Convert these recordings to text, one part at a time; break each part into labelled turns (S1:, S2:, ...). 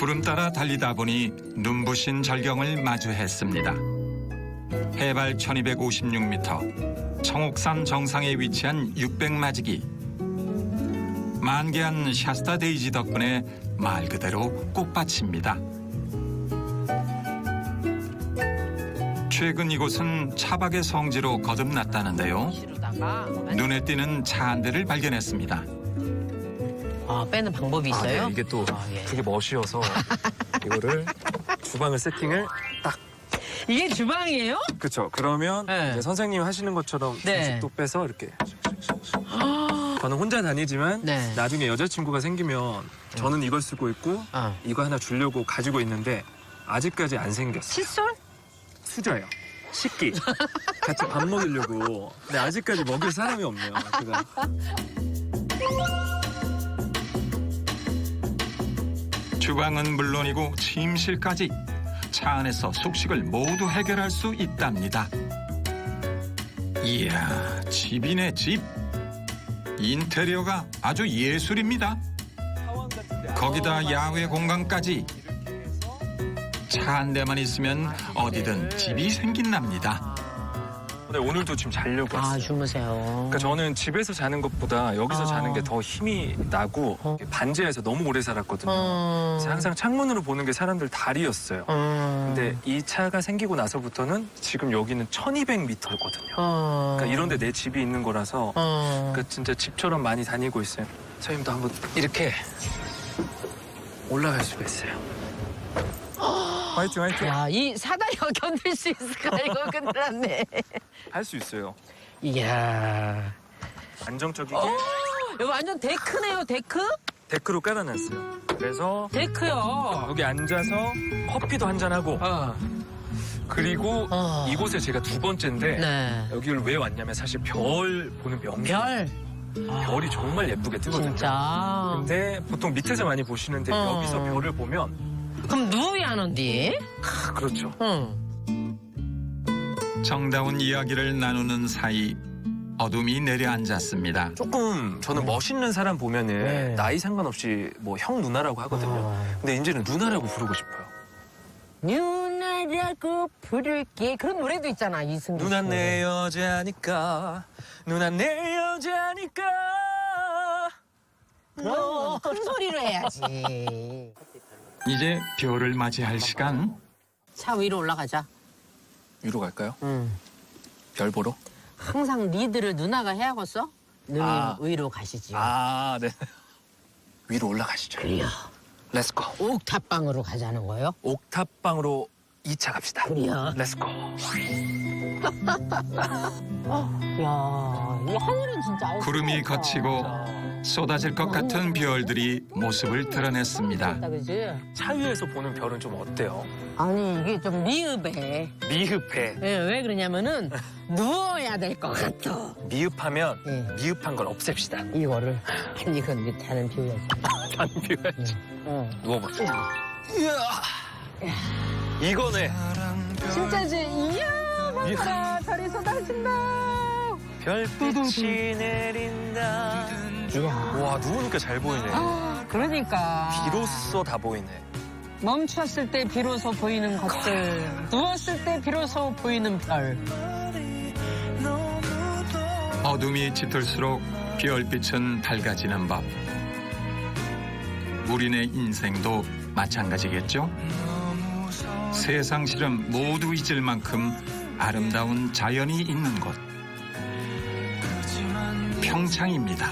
S1: 구름 따라 달리다 보니 눈부신 절경을 마주했습니다. 해발 1256m, 청옥산 정상에 위치한 600마지기. 만개한 샤스타 데이지 덕분에 말 그대로 꽃밭입니다. 최근 이곳은 차박의 성지로 거듭났다는데요. 눈에 띄는 차 한 대를 발견했습니다.
S2: 아, 빼는 방법이 있어요?
S3: 네, 이게 또
S2: 예.
S3: 그게 멋이어서 이거를 주방을 세팅을 딱.
S2: 이게 주방이에요?
S3: 그렇죠. 그러면
S2: 네.
S3: 이제 선생님이 하시는 것처럼
S2: 네.
S3: 또 빼서 이렇게. 저는 혼자 다니지만
S2: 네.
S3: 나중에 여자친구가 생기면 저는 이걸 쓰고 있고 이거 하나 주려고 가지고 있는데 아직까지 안 생겼어요.
S2: 칫솔?
S3: 수저예요. 식기. 같이 밥 먹이려고. 근데 아직까지 먹일 사람이 없네요. 제가.
S1: 주방은 물론이고 침실까지 차 안에서 숙식을 모두 해결할 수 있답니다. 이야, 집이네 집. 인테리어가 아주 예술입니다. 거기다 야외 공간까지. 차 한 대만 있으면 어디든 집이 생긴답니다.
S3: 네, 오늘도 지금 자려고 왔어요.
S2: 아, 주무세요.
S3: 그러니까 저는 집에서 자는 것보다 여기서 자는 게 더 힘이 나고 반지하에서 너무 오래 살았거든요. 그래서 항상 창문으로 보는 게 사람들 다리였어요. 근데 이 차가 생기고 나서부터는 지금 여기는 1200m거든요. 그러니까 이런 데 내 집이 있는 거라서 그러니까 진짜 집처럼 많이 다니고 있어요. 선생님도 한번 이렇게 올라갈 수가 있어요. 화이팅 화이팅.
S2: 야, 이 사다리가 견딜 수 있을까? 이거 큰일 났네.
S3: 할 수 있어요.
S2: 이야.
S3: 안정적이게
S2: 이거 완전 데크네요, 데크?
S3: 데크로 깔아놨어요. 그래서
S2: 데크요.
S3: 여기 앉아서 커피도 한잔하고 그리고 이곳에 제가 두 번째인데
S2: 네.
S3: 여기를 왜 왔냐면 사실 별 보는 명소.
S2: 별.
S3: 별이 정말 예쁘게 뜨거든요.
S2: 진짜.
S3: 근데 보통 밑에서 많이 보시는데 여기서 별을 보면
S2: 그럼 누워야 하는데?
S3: 그렇죠.
S1: 정다운 이야기를 나누는 사이 어둠이 내려앉았습니다.
S3: 조금 저는 멋있는 사람 보면은
S2: 네.
S3: 나이 상관없이 뭐 형 누나라고 하거든요. 근데 이제는 누나라고 부르고 싶어요.
S2: 누나라고 부를게. 그런 노래도 있잖아, 이승기 씨.
S3: 누나 내 여자니까 누나 내 여자니까
S2: 그럼 큰 소리로 해야지.
S1: 이제 별을 맞이할 시간.
S2: 차 위로 올라가자.
S3: 위로 갈까요? 별 보러?
S2: 항상 리드를 누나가 해야겠어? 누님 위로 가시지.
S3: 아, 네. 위로 올라가시죠.
S2: 그래요.
S3: 렛츠고.
S2: 옥탑방으로 가자는 거예요?
S3: 옥탑방으로 2차 갑시다.
S2: 그래요.
S3: 렛츠고.
S2: 야, 이 하늘은 진짜
S1: 구름이 거치고 쏟아질 것 같은 별들이 모습을 드러냈습니다.
S2: 그지?
S3: 차 위에서 보는 별은 좀 어때요?
S2: 아니 이게 좀 미흡해.
S3: 미흡해.
S2: 왜 그러냐면은 누워야 될 것 같아.
S3: 미흡하면
S2: 네.
S3: 미흡한 걸 없앱시다.
S2: 이거를 아니 이건 이제 다른 비유야지.
S3: 단 비워야지. 누워봅시다. 이야. 이거네.
S2: 진짜지? 이야 봐라 별이 쏟아진다.
S3: 별빛이 내린다.
S2: 이야.
S3: 와, 누우니까 잘 보이네.
S2: 그러니까.
S3: 비로소 다 보이네.
S2: 멈췄을 때 비로소 보이는 것들. 누웠을 때 비로소 보이는 별.
S1: 어둠이 짙을수록 별빛은 밝아지는 법. 우리네 인생도 마찬가지겠죠? 세상 시름 모두 잊을 만큼 아름다운 자연이 있는 곳. 평창입니다.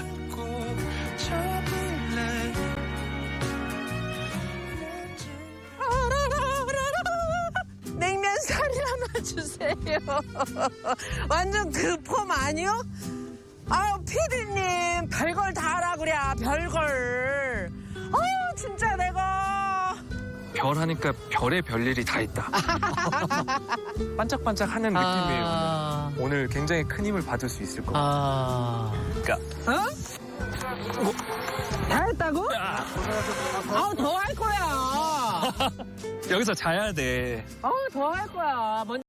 S2: 냉면 살이 하나 주세요. 완전 그 폼 아니요? 아유 피디님 별걸 다 하라 그래 별걸. 아유 진짜 내가.
S3: 별 하니까 별의 별일이 다 있다. 반짝반짝하는 느낌이에요. 오늘 굉장히 큰 힘을 받을 수 있을 것 같아요. 그러니까
S2: 다 했다고? 아우 더 할 거야.
S3: 여기서 자야 돼.
S2: 아우 더 할 거야.